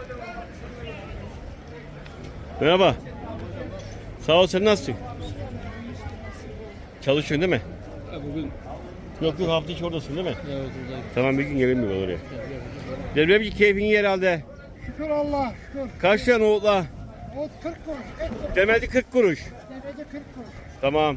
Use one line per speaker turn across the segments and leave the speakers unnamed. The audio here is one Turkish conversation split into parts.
Merhaba. Sağ ol, sen nasılsın? Çalışıyorsun değil mi?
Bugün
Yok hafta içi oradasın değil mi?
evet buradayım.
Tamam, bir gün gelin mi oraya? Devremci keyfin iyi herhalde.
Şükür Allah şükür.
Kaç tane oğutla?
O 40 kuruş.
Demedi 40 kuruş.
Devede 40 kuruş.
Tamam.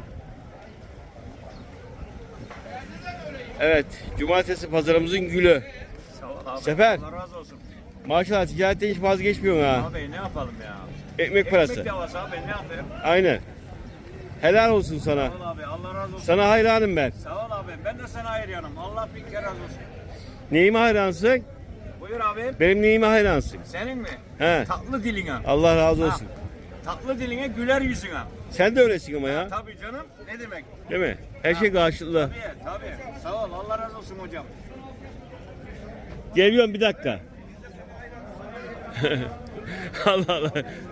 Evet, cumartesi pazarımızın gülü.
Sağ ol abi.
Sefer.
Allah razı olsun.
Maşallah ticaretten hiç vazgeçmiyorsun ha.
Abi ne yapalım ya?
Ekmek parası.
Ekmek davası abi ne yapayım?
Aynen. Helal olsun sana.
Sağ ol abi Allah razı olsun.
Sana hayranım ben.
Sağ ol abi ben de sana hayranım. Allah bin kere razı olsun.
Neyime hayransın?
Buyur abi.
Benim neyime hayransın?
Senin mi?
He.
Tatlı diline.
Allah razı olsun.
Tatlı diline güler yüzüne.
Sen de öylesin ama ya.
Tabii canım. Ne demek?
Değil mi? Her şey karşılıklı.
Tabii. Sağ ol Allah razı olsun hocam.
Geliyorum bir dakika. Allah Allah.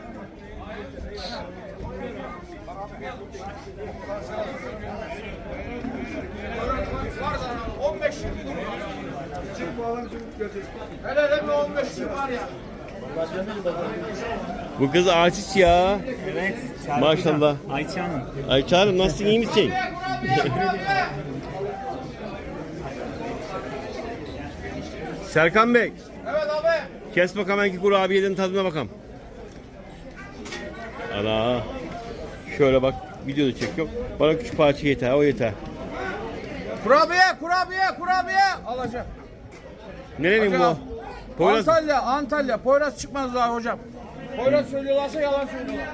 Hele bir 15 lira var ya.
Bu kız artist ya.
Evet.
Maşallah.
Ayça Hanım.
Ayça Hanım nasılsın, iyi misin? Serkan Bey.
Evet abi.
Kes bakalım belki kurabiyeden tadına bakalım. Ana. Şöyle bak, videoda çekiyorum. Bana küçük parça yeter, o yeter.
Kurabiye alacağım.
Nerenin bu? Poyraz.
Antalya. Poyraz çıkmaz daha hocam. Poyraz söylüyorlarsa yalan söylüyorlar.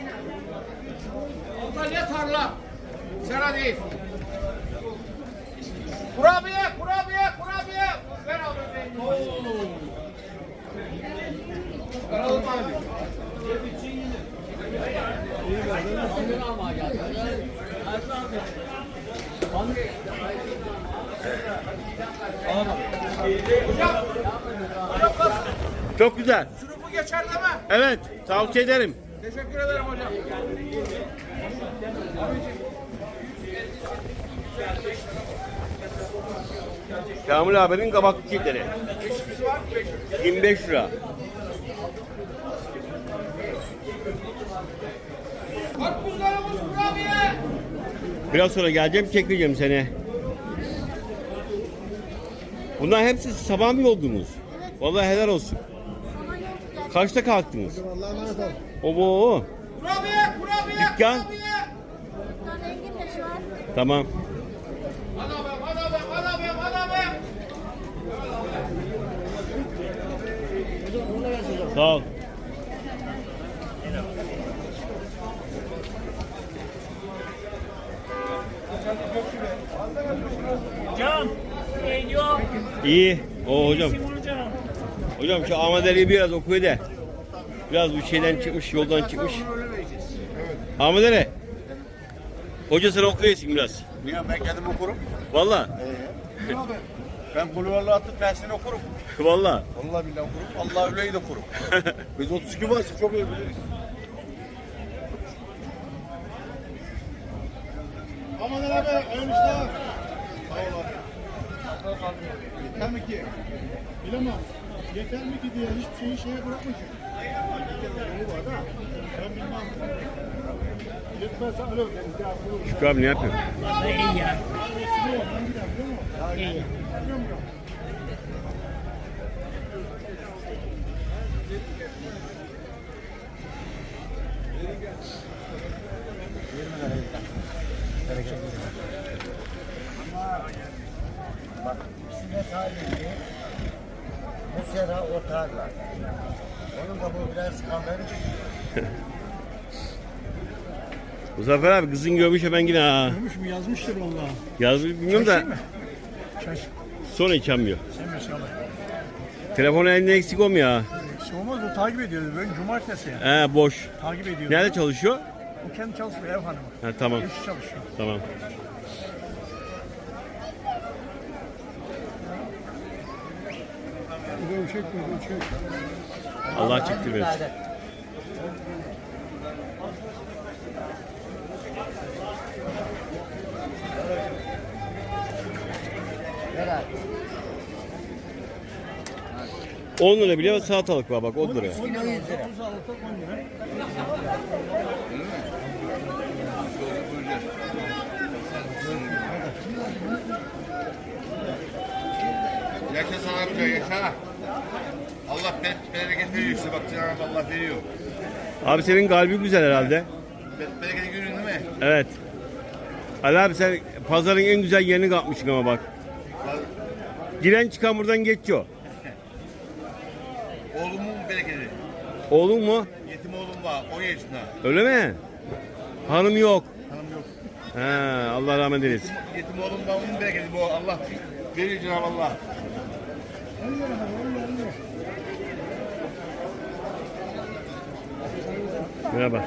Antalya tarla. Sera değil. Kurabiye. Ver abi. Ver abi.
Çok güzel.
Sınıfı geçer deme.
Evet, tavsiye ederim.
Teşekkür ederim hocam.
Kamil abinin kabak çiçekleri. 25 lira.
Karpuzlarımız kurabiye.
Biraz sonra geleceğim, çekeceğim seni. Bunlar hepsi sabah mı yoldunuz? Vallahi helal olsun. Kaçta kalktınız? Obo.
Kurabiye.
Dükkan.
Engin de şu an.
Tamam.
Hadi abi.
Sağ ol.
Hocam. Ne diyor?
İyi. O hocam.
Hocam.
Hocam şu Ahmet Ali'yi biraz okuyor da. Biraz bir şeyden çıkmış, yoldan çıkmış. Ahmet Ali. Hoca sen okuyorsun biraz.
Niye ben kendim okurum?
Vallahi.
Ben bulvarlı atı tersini okurum.
Vallahi.
Vallahi billahi okurum. Allah öleyi de okurum. Biz 32 varsa çok iyi biliriz. Aman abi, ölmüşler. Sağ ol abi. Yeter mi ki? Bilemem. Yeter mi ki diye hiçbir şeyi şeye bırakmışım. Ben bilmem. Yetmezse öyle
Şükrü abi ne yapıyor?
İyi ya.
Bisiklet halinde bu sera otarlar. Onun da bu biraz kalır.
Muzaffer abi kızın görmüş hemen yine ha.
Görmüş mü yazmıştır vallahi.
Yazmış bilmiyorum da.
Şaş.
Sonra içemiyor.
Sen inşallah.
Telefon elinde eksik olmuyor ha.
Olmaz o takip ediyordu. Ben cumartesi ya.
He boş.
Takip ediyordu.
Nerede çalışıyor?
O kendi çalışmıyor ev hanımı.
Ha, tamam.
Eşi çalışıyor.
Tamam. Allah çıktı versin. 10 lira bile salatalık var bak 10 lira.
10 lira. 10 lira.
Yaşa sana amca yaşa. Allah bereket veriyor işte bak Cenab-ı Allah veriyor.
Abi senin kalbi güzel herhalde.
Bereketi görüyorsun değil mi?
Evet. Ali abi sen pazarın en güzel yerini kapmışsın ama bak. Giren çıkan buradan geçiyor.
Oğlumun bereketi.
Oğlun mu?
Yetim oğlum var 10 yaşında.
Öyle mi? Hanım yok.
Hanım yok.
He, Allah rahmet eylesin.
Yetim oğlum var onun bereketi bu. Allah veriyor Cenab-ı Allah.
Merhaba.